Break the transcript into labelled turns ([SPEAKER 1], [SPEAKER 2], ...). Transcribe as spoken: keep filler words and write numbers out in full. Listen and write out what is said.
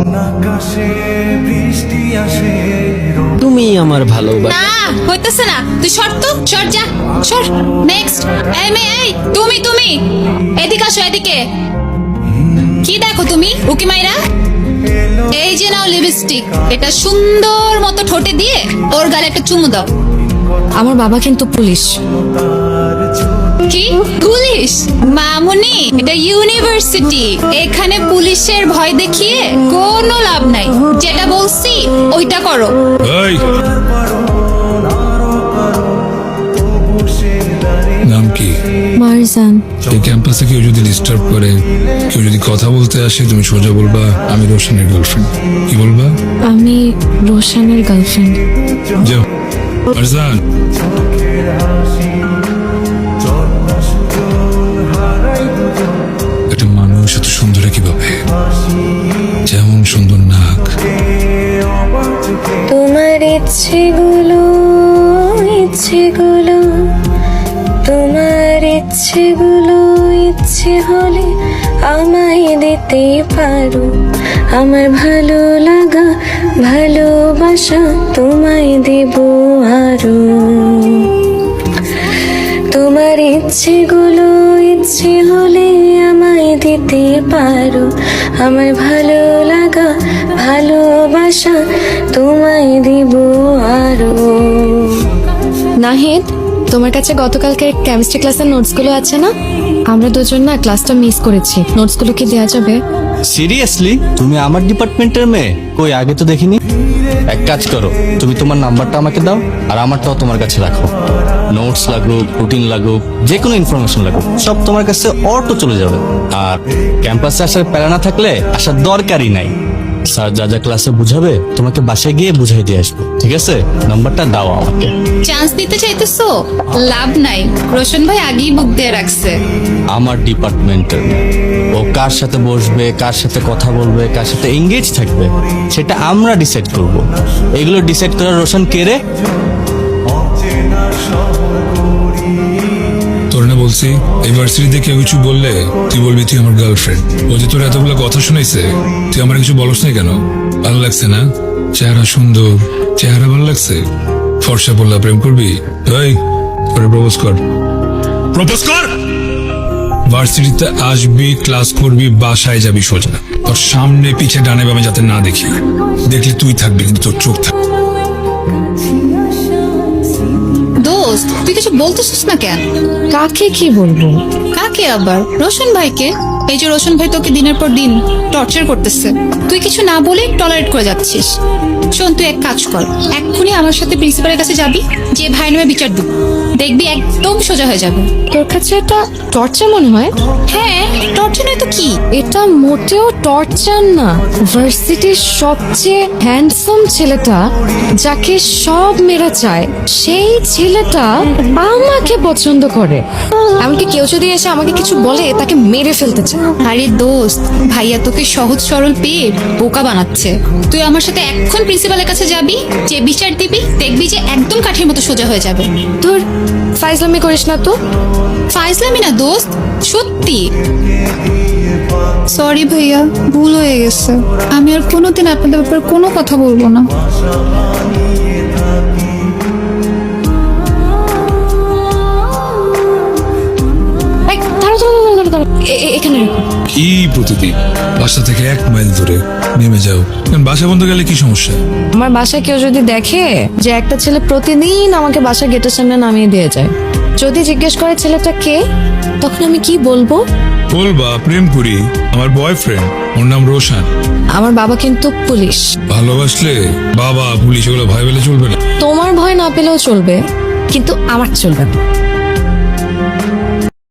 [SPEAKER 1] তুমি আমার ভালোবাসা।
[SPEAKER 2] না হইতেছে না, তুই সর তো, সর যা, সর। নেক্সট। এই মেয়ে, এই তুমি তুমি এদিকে আসো, এদিকে। কি দেখো তুমি উকি মাইরা? এই যে নাও লিপস্টিক, এটা সুন্দর মতো ঠোঁটে দিয়ে ওর গালে একটা চুমু দাও।
[SPEAKER 3] আমার বাবা কিন্তু পুলিশ।
[SPEAKER 2] কি পুলিশ? মামুনি, এটা ইউনিভার্সিটি, এখানে পুলিশের ভয় দেখিয়ে কোনো লাভ নাই। যেটা বলছি ওইটা করো।
[SPEAKER 4] এই, নাম কি?
[SPEAKER 3] মারজান।
[SPEAKER 4] এই ক্যাম্পাসে কেউ যদি ডিস্টার্ব করে, কেউ যদি কথা বলতে আসে, তুমি সোজা বলবা আমি রোশনের গার্লফ্রেন্ড। কি বলবা?
[SPEAKER 3] আমি রোশনের গার্লফ্রেন্ড।
[SPEAKER 4] যাও। মারজান, একটা মানুষ এত সুন্দর কিভাবে? যেমন সুন্দর নাক।
[SPEAKER 5] তোমার ইচ্ছেগুলো ইচ্ছেগুলো তোমার ইচ্ছেগুলো ইচ্ছে হলে আমায় দিতে পারো। আমার ভালো লাগা ভালোবাসা তোমায় দেব আরো। তোমার ইচ্ছেগুলো ইচ্ছে হলে আমায় দিতে পারো। আমার ভালো লাগা ভালোবাসা তোমায় দিব আরো।
[SPEAKER 3] নাহিদ, তোমার কাছে গতকালকে কেমিস্ট্রি ক্লাসের নোটসগুলো আছে না? আমরা দুজন না ক্লাসটা মিস করেছি, নোটসগুলো কি দেওয়া যাবে?
[SPEAKER 1] সিরিয়াসলি? তুমি আমার ডিপার্টমেন্টের মেয়ে? কই, আগে তো দেখিনি। এক কাজ করো, তুমি তোমার নাম্বারটা আমাকে দাও, আর আমারটাও তোমার কাছে রাখো। নোটস লাগুক, রুটিন লাগুক, যে কোনো ইনফরমেশন লাগুক, সব তোমার কাছে অটো চলে যাবে। আর ক্যাম্পাসে আসার প্যারা না থাকলে আসার দরকারই নাই। স্যার যা যা ক্লাসে বুঝাবে তোমাকে বাসায় গিয়ে বুঝাই দিয়ে আসবো, ঠিক আছে? নাম্বারটা দাও আমাকে।
[SPEAKER 2] চান্স দিতে চাইতেছো? লাভ নাই, রোশন ভাই আগেই বুক দিয়ে রাখছে।
[SPEAKER 1] আমার ডিপার্টমেন্টের ও কার সাথে বসবে, কার সাথে কথা বলবে, কার সাথে এঙ্গেজ থাকবে, সেটা আমরা ডিসাইড করব। এগুলো ডিসাইড করার রোশন কে রে?
[SPEAKER 4] তোর না বলছি ইউনিভার্সিটিতে কেউ কিছু বললে তুই বলবি তুই আমার গার্লফ্রেন্ড। ও যে তোর এতগুলো কথা শুনাইছে, তুই আমার কিছু বলস না কেন? ভালো লাগছে না? চেহারা সুন্দর, চেহারা ভালো লাগছে। ফর্সা বললা প্রেম করবি? এই, করে প্রপোজ কর, প্রপোজ কর। ভার্সিটিতে আসবি, ক্লাস করবি, বাসায় যাবি সোজা। তোর সামনে পিছে ডানে বামে যাতে না দেখি। দেখলে তুই থাকবি কিন্তু তোর চোখ থাকবে।
[SPEAKER 2] দোস্ত, তুই কিছু বলতেছিস না কেন?
[SPEAKER 3] কাকে কি বলবো?
[SPEAKER 2] কাকে আবার? রোশন ভাইকে। এই যে রোশন ভাই তোকে দিনের পর দিন টর্চার করতেছে, তুই কিছু না বলে টলারেট করে যাচ্ছিস। শোন, তুই এক কাজ কর, এক্ষুনি আমার সাথে প্রিন্সিপালের কাছে যাবি, যে ভাই নামে বিচার দিব, দেখবি একদম সোজা হয়ে যাবে।
[SPEAKER 3] তোর কাছে এটা টর্চার মনে হয়?
[SPEAKER 2] হ্যাঁ, টর্চার নয় তো কি?
[SPEAKER 3] এটা মোটেও টর্চার না। ভার্সিটির সবচেয়ে হ্যান্ডসাম ছেলেটা, যাকে সব মেয়েরা চায়, সেই ছেলেটা আমাকে পছন্দ করে। এমনকি কেউ যদি এসে আমাকে কিছু বলে, তাকে মেরে ফেলতে চায়।
[SPEAKER 2] আরে দোস্ত, ভাইয়া তোকে সহজ সরল পেয়ে বোকা বানাচ্ছে। তুই আমার সাথে এখন প্রিন্সিপালের কাছে যাবি, যে বিচার দিবি, দেখবি যে একদম কাঠের মতো সোজা হয়ে যাবে।
[SPEAKER 3] তোর ফাইজলামি করিস না তো।
[SPEAKER 2] ফাইজলামি না দোস্ত, সত্যি। সরি ভাইয়া, ভুল হয়ে গেছে। আমি আর কোনোদিন আপনাদের ব্যাপারে কোনো কথা বলবো না।
[SPEAKER 3] এই, দাঁড়াও, দাঁড়াও, দাঁড়াও, দাঁড়াও। এ- এ- এখানে রেখো।
[SPEAKER 4] কি প্রতিদিন বাসা থেকে এক মাইল দূরে নেমে যাও? কারণ বাসা বন্ধ গেলে কি সমস্যা?
[SPEAKER 3] আমার বাসায় কেউ যদি দেখে যে একটা ছেলে প্রতিদিন আমাকে বাসা গেটের সামনে নামিয়ে দিয়ে যায়, যদি জিজ্ঞেস করে ছেলেটা কে, তখন আমি কি বলবো?
[SPEAKER 4] বলবা প্রেম করি, আমার বয়ফ্রেন্ড, ওর নাম রোশন।
[SPEAKER 3] আমার বাবা কিন্তু পুলিশ।
[SPEAKER 4] ভালোবাসলে বাবা পুলিশ এগুলো ভয় পেলে চলবে না।
[SPEAKER 3] তোমার ভয় না পেলেও চলবে, কিন্তু আমার চলবে না।